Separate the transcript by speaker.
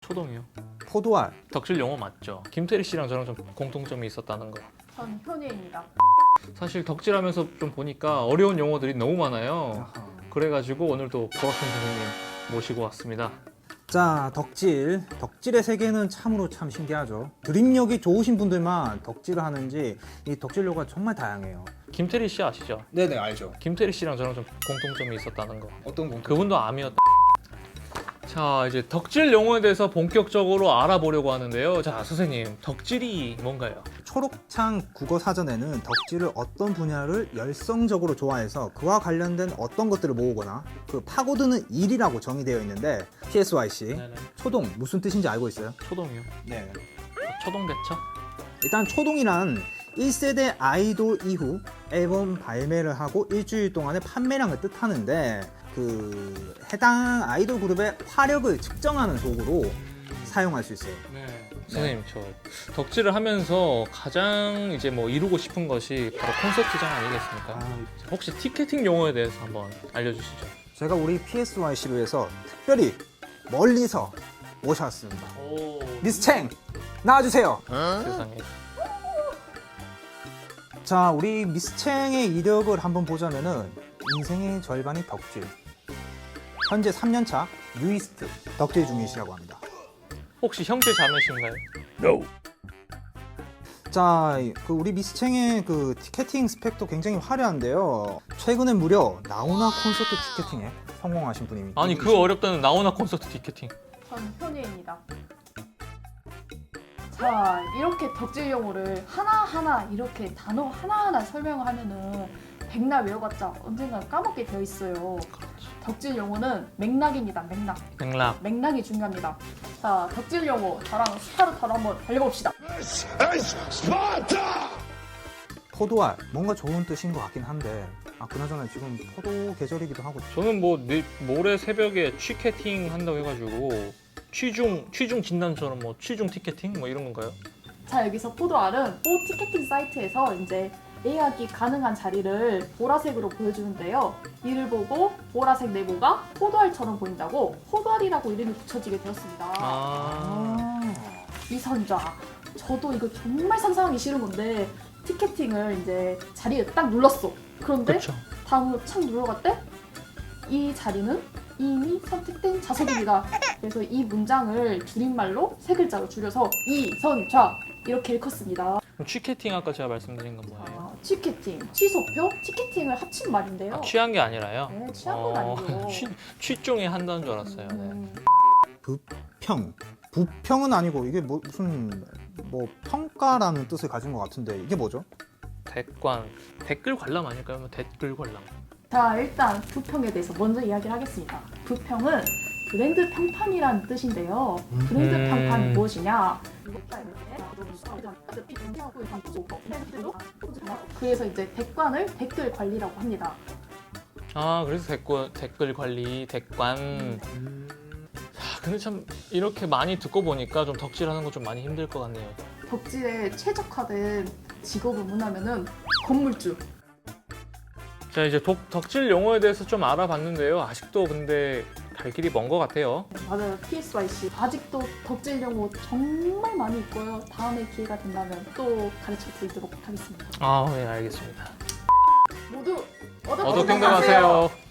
Speaker 1: 초동이요.
Speaker 2: 포도알.
Speaker 1: 덕질 용어 맞죠? 김태리 씨랑 저랑 좀 공통점이 있었다는 거.
Speaker 3: 전 현우입니다.
Speaker 1: 사실 덕질하면서 좀 보니까 어려운 용어들이 너무 많아요. 그래가지고 오늘도 보라큰 선생님 모시고 왔습니다.
Speaker 2: 자, 덕질의 세계는 참으로 참 신기하죠. 드립력이 좋으신 분들만 덕질을 하는지 이 덕질료가 정말 다양해요.
Speaker 1: 김태리 씨 아시죠?
Speaker 2: 네네, 알죠.
Speaker 1: 김태리 씨랑 저랑 좀 공통점이 있었다는 거.
Speaker 2: 어떤 분?
Speaker 1: 그분도 암이었다. 자, 이제 덕질 용어에 대해서 본격적으로 알아보려고 하는데요. 자, 선생님, 덕질이 뭔가요?
Speaker 2: 초록창 국어사전에는 덕질을 어떤 분야를 열성적으로 좋아해서 그와 관련된 어떤 것들을 모으거나 그 파고드는 일이라고 정의되어 있는데 PSYC
Speaker 1: 네네.
Speaker 2: 초동 무슨 뜻인지 알고 있어요?
Speaker 1: 초동이요.
Speaker 2: 네.
Speaker 1: 초동대처?
Speaker 2: 일단 초동이란 1세대 아이돌 이후 앨범 발매를 하고 일주일 동안의 판매량을 뜻하는데 그 해당 아이돌 그룹의 화력을 측정하는 도구로 사용할 수 있어요.
Speaker 1: 네. 선생님, 저 덕질을 하면서 가장 이제 뭐 이루고 싶은 것이 바로 콘서트장 아니겠습니까? 혹시 티켓팅 용어에 대해서 한번 알려주시죠.
Speaker 2: 제가 우리 PSYC로 해서 특별히 멀리서 모셔왔습니다.
Speaker 1: 오,
Speaker 2: 미스챙 나와주세요.
Speaker 1: 세상에.
Speaker 2: 자, 우리 미스챙의 이력을 한번 보자면은 인생의 절반이 덕질. 현재 3년차 뉴이스트 덕질 중이시라고 합니다.
Speaker 1: 혹시 형제 자매신가요?
Speaker 2: 자, 그 우리 미스챙의 그 티켓팅 스펙도 굉장히 화려한데요. 최근에 무려 나훈아 콘서트 티켓팅에 성공하신 분이
Speaker 1: 아니, 그 어렵다는 나훈아 콘서트 티켓팅.
Speaker 3: 전 현우입니다. 자, 이렇게 덕질 용어를 하나하나 이렇게 단어 하나하나 설명을 하면은 백날 외워봤자 언젠가 까먹게 되어 있어요. 덕질 용어는 맥락입니다.
Speaker 1: 맥락.
Speaker 3: 맥락이 중요합니다. 자, 덕질 용어 저랑 스파르타로 한번 달려봅시다.
Speaker 2: 포도알 뭔가 좋은 뜻인 것 같긴 한데 그나저나 지금 포도 계절이기도 하고
Speaker 1: 저는 뭐 모레 새벽에 취캐팅 한다고 해가지고 취중 진단처럼 뭐 취중 티켓팅 뭐 이런 건가요?
Speaker 3: 자, 여기서 포도알은 보 티켓팅 사이트에서 이제 예약이 가능한 자리를 보라색으로 보여주는데요. 이를 보고 보라색 네모가 포도알처럼 보인다고 포도알이라고 이름이 붙여지게 되었습니다. 이선자. 저도 이거 정말 상상하기 싫은 건데 티켓팅을 이제 자리에 딱 눌렀어. 그런데
Speaker 1: 그렇죠.
Speaker 3: 다음으로 착 눌러갔대? 이 자리는 이미 선택된 좌석입니다. 그래서 이 문장을 줄임말로 세 글자로 줄여서 이선좌 이렇게 읽었습니다.
Speaker 1: 그럼 취캐팅 아까 제가 말씀드린 건 뭐예요?
Speaker 3: 취캐팅, 취소표, 티켓팅을 합친 말인데요.
Speaker 1: 취한 게 아니라요?
Speaker 3: 네, 취한 건 아니고.
Speaker 1: 취중에 한다는 줄 알았어요. 네.
Speaker 2: 부평. 부평은 아니고 이게 무슨 평가라는 뜻을 가진 것 같은데 이게 뭐죠?
Speaker 1: 댓글 관람 아닐까요? 댓글 관람.
Speaker 3: 자, 일단 부평에 대해서 먼저 이야기를 하겠습니다. 부평은 브랜드 평판이라는 뜻인데요. 브랜드 평판이 무엇이냐? 그래서 이제 댓관을 댓글 관리라고 합니다.
Speaker 1: 아, 그래서 댓글 관리, 댓관. 근데 참 이렇게 많이 듣고 보니까 좀 덕질하는 거 좀 많이 힘들 것 같네요.
Speaker 3: 덕질에 최적화된 직업을 문하면은 건물주.
Speaker 1: 자, 이제 덕질 용어에 대해서 좀 알아봤는데요. 아직도 근데 갈 길이 먼 것 같아요.
Speaker 3: 맞아요. PSYC. 아직도 덕질 용어 정말 많이 있고요. 다음에 기회가 된다면 또 가르쳐 드리도록 하겠습니다.
Speaker 1: 아, 네, 알겠습니다.
Speaker 3: 모두 얻어
Speaker 1: 얻어 건강하세요.